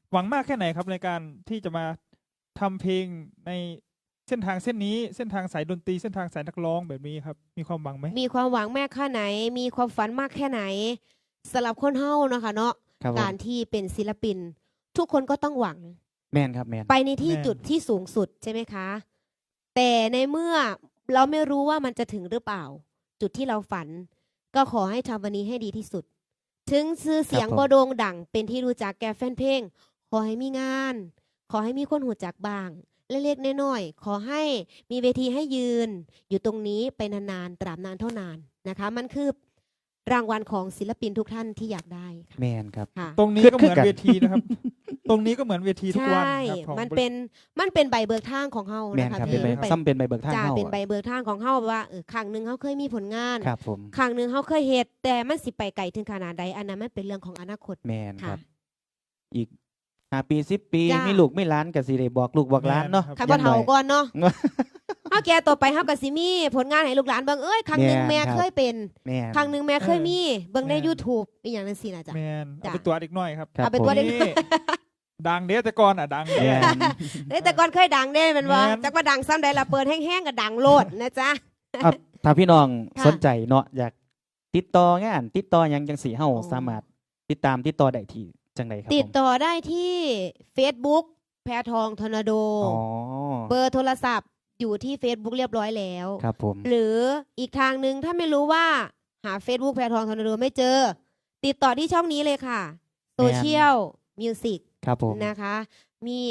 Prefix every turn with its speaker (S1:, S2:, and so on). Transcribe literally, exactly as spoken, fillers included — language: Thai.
S1: หวังมากแค่ไหนครับในการที่จะมาทำเพลงในเส้นทางเส้นนี้เส้นทางสายดนตรีเส้นทางสายนักร้องแบบนี้ครับมีความหวังไหม
S2: มีความหวังแม่แค่ไหนมีความฝันมากแค่ไหนสำหรับคนเฮาเนาะค่ะเนาะการที่เป็นศิลปินทุกคนก็ต้องหวัง
S3: แมนครับแมน
S2: ไปในที่จุดที่สูงสุดใช่ไหมคะแต่ในเมื่อเราไม่รู้ว่ามันจะถึงหรือเปล่าจุดที่เราฝันก็ขอให้ทำวันนี้ให้ดีที่สุดถึงชื่อเสียงบ่โด่งดังเป็นที่รู้จักแก่แฟนเพลงขอให้มีงานขอให้มีคนหูจักบ้างเล็กๆน้อยๆขอให้มีเวทีให้ยืนอยู่ตรงนี้ไปนานๆตราบนานเท่านานนะคะมันคือรางวัลของศิลปินทุกท่านที่อยากได้
S3: แมนครับ
S1: ตรงนี้ก็เหมือนเวทีนะครับตรงนี้ก็เหมือนเวทีทุกวัน
S2: ครับมันเป็นมันเป็นใบเบิกทางของเฮานะคะ
S3: ซ้ำเป็นใบเบิกทาง
S2: เฮาเป็นใบเบิกทางของเฮาว่าเออครั้งหนึ่งเฮาเคยมีผลงาน
S3: ครับผม
S2: ครั้งหนึ่งเฮาเคยเฮ็ดแต่มันสิไปไกลถึงขนาดใดอันนั้นมันเป็นเรื่องของอนาคต
S3: แมนครับอีกห้าปีสิบปีมีลูกไม่ล้านกับสิได้บอกลูกบอกล้านเนาะ
S2: คันบ่เฒ่าก่อนเนาะเฮาแก่ต่อไปเฮาก็สิมีผลงานให้ลูกหลานเบิ่งเอ้ยครั้งนึงแม่เคยเป็นครั้งนึงแม่เคยมีเบิ่งใน YouTube อีหยังจังซี่น่ะจ้ะ
S1: แม่นเอาไปตัวเด็กน้อยครับ
S2: เอาไปตัวเด็ก
S1: ดังเด้แต่ก่อนอ่ะดังเด้
S2: เด้แต่ก่อนเคยดังเด้แม่นบ่จักว่าดังซ้ำใดล่ะเปิดแห้งๆก็ดังโลดนะจ๊ะ
S3: ถ้าพี่น้องสนใจเนาะอยากติดต่องานติดต่อหยังจังซี่เฮาสามารถติดตามติดต่อได้ที่จังไดครับ
S2: ติดต่อได้ที่ Facebook แพทองทอร์นาโดเบอร์โทรศัพท์อยู่ที่ Facebook เรียบร้อยแล้ว
S3: ครับผม
S2: หรืออีกทางนึงถ้าไม่รู้ว่าหา Facebook แพทองทอร์นาโดไม่เจอติดต่อที่ช่องนี้เลยค่ะโซเชียลมิวสิก
S3: ครับผม
S2: นะคะมี